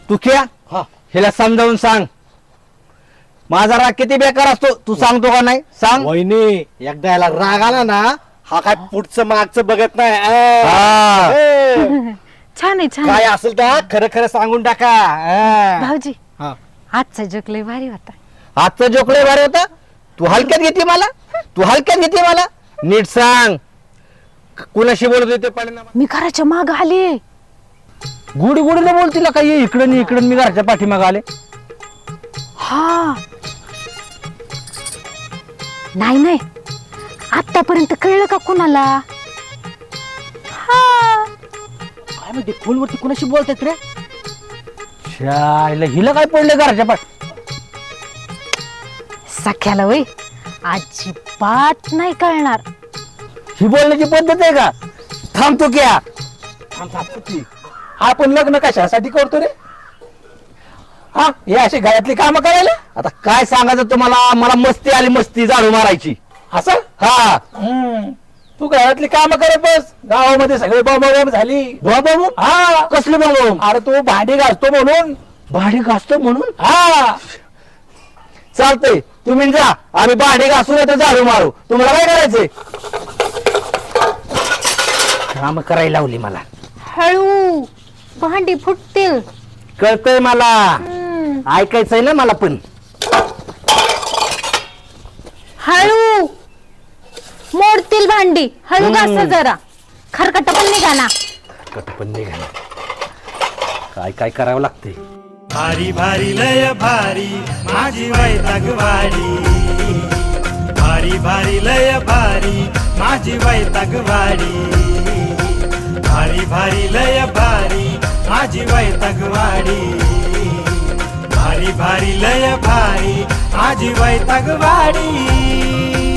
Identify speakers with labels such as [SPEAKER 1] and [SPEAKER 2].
[SPEAKER 1] तू क्या
[SPEAKER 2] हा
[SPEAKER 1] हिला समजावून सांग माझा राग किती बेकार असतो तू सांगतो का नाही सांग.
[SPEAKER 2] वहिनी एकदा याला राग आला ना हा काय पुढचं मागचं बघत नाही
[SPEAKER 1] हा.
[SPEAKER 3] छान आहे छान
[SPEAKER 2] काय
[SPEAKER 3] आहे.
[SPEAKER 2] असेल तर खरं खरं सांगून टाका.
[SPEAKER 3] भाऊजी
[SPEAKER 2] हा.
[SPEAKER 3] आजचा जोक लय भारी होता.
[SPEAKER 1] आजचा जोकडे भारी होता. तू हलक्यात घेते मला तू हलक्यात घेते मला नीट सांग कुणाशी बोलत होते परिणाम.
[SPEAKER 3] मी घराच्या माग आले.
[SPEAKER 1] गुडी गुडीला बोलतील का ये इकडं इकडं मी घराच्या पाठीमागे आले.
[SPEAKER 3] हा नाही नाही आतापर्यंत कळलं का कुणाला. हा
[SPEAKER 2] काय म्हणते फोनवरती कुणाशी बोलतात रे.
[SPEAKER 1] शायला हिला काय पडलं घराच्या पाठ.
[SPEAKER 3] सख्याला वय अजिबात नाही कळणार.
[SPEAKER 1] ही बोलण्याची पद्धत आहे का. थांबतो क्या
[SPEAKER 2] आपण लग्न कशासाठी करतो रे.
[SPEAKER 1] हा हे अशी घरातली कामं करायला. आता काय सांगायचं तुम्हाला मला मस्ती आली मस्ती झाडू मारायची
[SPEAKER 2] असं
[SPEAKER 1] हा.
[SPEAKER 2] तू घरातली काम करत बस गावामध्ये सगळे बॉम्ब झाली.
[SPEAKER 1] बाबा
[SPEAKER 2] हा
[SPEAKER 1] कसले बाबा.
[SPEAKER 2] अरे तू भांडी घासतो म्हणून.
[SPEAKER 1] भाडी घासतो म्हणून.
[SPEAKER 2] हा
[SPEAKER 1] चालतंय तुम्ही जा आम्ही भांडे घासून येतो झाडू मारू. तुम्हाला काय करायचंय. काम करायला लावली मला.
[SPEAKER 3] हळू भांडी फुटतील.
[SPEAKER 1] कळतंय मला ऐकायचंय ना मला पण.
[SPEAKER 3] हळू मोडतील भांडी. हळू घासा जरा खरकट पण निघा ना.
[SPEAKER 1] पण निघाला काय काय करावं लागतंय.
[SPEAKER 4] भारी भारी लय भारी माझी वैतागवाडी. भारी भारी लय भारी माझी वैतागवाडी. भारी भारी लय भारी माझी वैतागवाडी. भारी भारी लय भारी माझी वैतागवाडी.